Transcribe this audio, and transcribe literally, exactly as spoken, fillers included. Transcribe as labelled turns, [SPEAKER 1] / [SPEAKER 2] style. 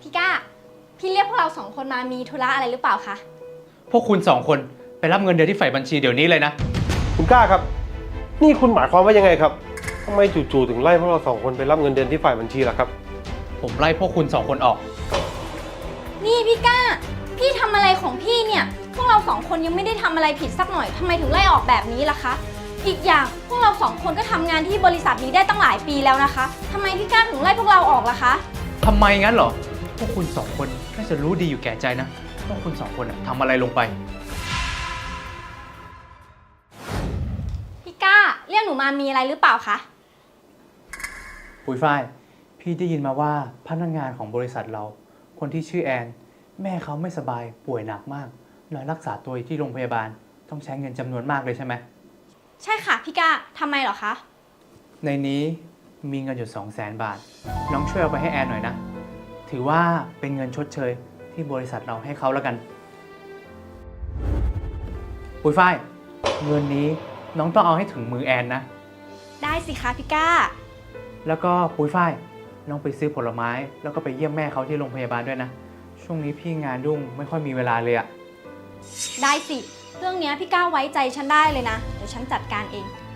[SPEAKER 1] พี่ก้าพี่เรียกพวกเราสองคนมามีธุระอะไรหรือเปล่าคะ
[SPEAKER 2] พวกคุณสองคนไปรับเงินเดือนที่ฝ่ายบัญชีเดี๋ยวนี้เลยนะ
[SPEAKER 3] คุณกล้าครับนี่คุณหมายความว่ายังไงครับทำไมจู่ๆถึงไล่พวกเราสองคนไปรับเงินเดือนที่ฝ่ายบัญชีล่ะครับ
[SPEAKER 2] ผมไล่พวกคุณสองคนออก
[SPEAKER 1] นี่พี่ก้าพี่ทำอะไรของพี่เนี่ยพวกเราสองคนยังไม่ได้ทำอะไรผิดสักหน่อยทำไมถึงไล่ออกแบบนี้ล่ะคะอีกอย่างพวกเราสองคนก็ทำงานที่บริษัทนี้ได้ตั้งหลายปีแล้วนะคะทำไมพี่ก้าถึงไล่พวกเราออกล่ะคะ
[SPEAKER 2] ทำไมงั้นเหรอพวกคุณสองคนน่าจะรู้ดีอยู่แก่ใจนะว่าคุณสองคนทำอะไรลงไป
[SPEAKER 1] พี่ก้าเรียกหนูมามีอะไรหรือเปล่าคะ
[SPEAKER 2] ปุ้ยฝ้ายพี่ได้ยินมาว่าพนักงานของบริษัทเราคนที่ชื่อแอนแม่เขาไม่สบายป่วยหนักมากนอนรักษาตัวอยู่ที่โรงพยาบาลต้องใช้เงินจำนวนมากเลยใช่ไหม
[SPEAKER 1] ใช่ค่ะพี่ก้าทำไมเหรอคะ
[SPEAKER 2] ในนี้มีเงินอยู่สองแสนบาทน้องช่วยเอาไปให้แอนหน่อยนะถือว่าเป็นเงินชดเชยที่บริษัทเราให้เขาแล้วกันปุ้ยฝ้ายเงินนี้น้องต้องเอาให้ถึงมือแอนนะ
[SPEAKER 1] ได้สิคะพี่ก้า
[SPEAKER 2] แล้วก็ปุ้ยฝ้ายน้องไปซื้อผลไม้แล้วก็ไปเยี่ยมแม่เขาที่โรงพยาบาลด้วยนะช่วงนี้พี่งานยุ่งไม่ค่อยมีเวลาเลยอะ
[SPEAKER 1] ได้สิเรื่องนี้พี่ก้าไว้ใจฉันได้เลยนะเดี๋ยวฉันจัดการเอง